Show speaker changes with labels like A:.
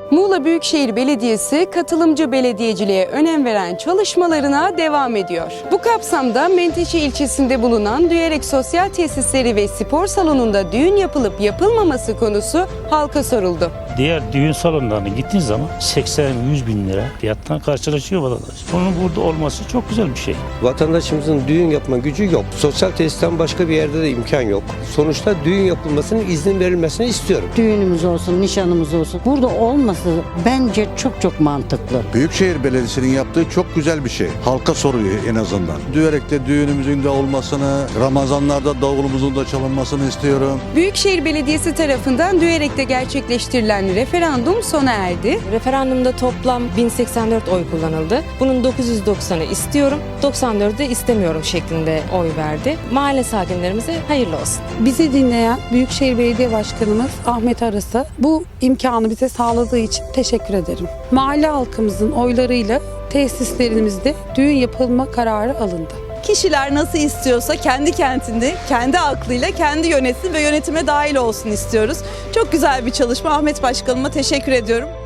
A: Muğla Büyükşehir Belediyesi katılımcı belediyeciliğe önem veren çalışmalarına devam ediyor. Bu kapsamda Menteşe ilçesinde bulunan Düyerek Sosyal Tesisleri ve Spor Salonu'nda düğün yapılıp yapılmaması konusu halka soruldu.
B: Diğer düğün salonlarına gittiğin zaman 80-100 bin lira fiyattan karşılaşıyor vatandaş. Bunun burada olması çok güzel bir şey.
C: Vatandaşımızın düğün yapma gücü yok. Sosyal tesisten başka bir yerde de imkan yok. Sonuçta düğün yapılmasının izin verilmesini istiyorum.
D: Düğünümüz olsun, nişanımız olsun. Burada olması bence çok mantıklı.
E: Büyükşehir Belediyesi'nin yaptığı çok güzel bir şey. Halka soruyor en azından. Düyerek'te düğünümüzün de olmasını, Ramazanlarda davulumuzun da çalınmasını istiyorum.
A: Büyükşehir Belediyesi tarafından Düyerek'te gerçekleştirilen referandum sona erdi.
F: Referandumda toplam 1084 oy kullanıldı. Bunun 990'ı istiyorum, 94'ü de istemiyorum şeklinde oy verdi. Mahalle sakinlerimize hayırlı olsun.
G: Bizi dinleyen Büyükşehir Belediye Başkanımız Ahmet Aras'a bu imkanı bize sağladığı için teşekkür ederim. Mahalle halkımızın oylarıyla tesislerimizde düğün yapılma kararı alındı.
H: Kişiler nasıl istiyorsa kendi kentinde, kendi aklıyla kendi yönetsin ve yönetime dahil olsun istiyoruz. Çok güzel bir çalışma. Ahmet Başkanıma teşekkür ediyorum.